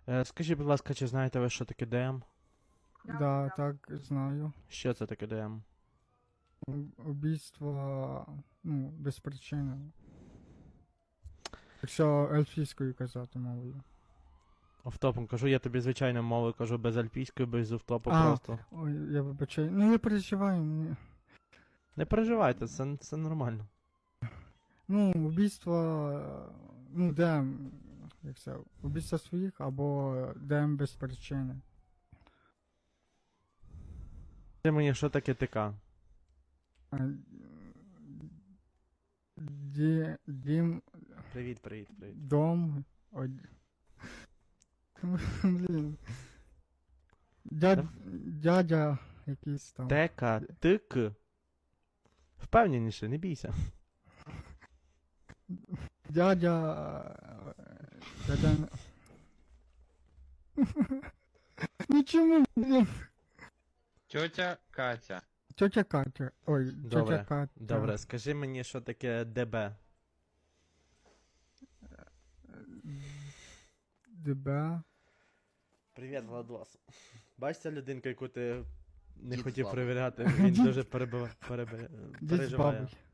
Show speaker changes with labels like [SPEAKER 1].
[SPEAKER 1] Скажіть, будь ласка, чи знаєте ви, що таке ДМ?
[SPEAKER 2] Да, так, знаю.
[SPEAKER 1] Що це таке ДМ?
[SPEAKER 2] Убійство, ну, без причини. Якщо ельфійською казати мовою.
[SPEAKER 1] Офтопом кажу, я тобі звичайною мовою кажу, без альпійської, без офтопу
[SPEAKER 2] А.
[SPEAKER 1] просто.
[SPEAKER 2] Ой, я вибачаю. Ну, я переживаю.
[SPEAKER 1] Не переживайте, це нормально.
[SPEAKER 2] Ну, убійство, ну, ДМ, як це, убійство своїх або ДМ без причини.
[SPEAKER 1] Скажи мені, що таке ТК?
[SPEAKER 2] А, Дім,
[SPEAKER 1] Привіт.
[SPEAKER 2] дом, блін. Дядя якийсь там.
[SPEAKER 1] ТК, ТК. Впевненіше, не бійся.
[SPEAKER 2] Дядя... Ну чому, блін?
[SPEAKER 3] Тьотя Катя.
[SPEAKER 2] Тетя Катя. Ой,
[SPEAKER 1] Добре,
[SPEAKER 2] тетя Катя.
[SPEAKER 1] Добре, скажи мені, що таке ДБ?
[SPEAKER 2] ДБ.
[SPEAKER 1] Привіт, Владос. Бачите людинку, яку ти не
[SPEAKER 3] Дід
[SPEAKER 1] хотів
[SPEAKER 3] з бабою.
[SPEAKER 1] перевіряти, він дуже
[SPEAKER 2] Дід з
[SPEAKER 1] переживає.
[SPEAKER 2] бабою.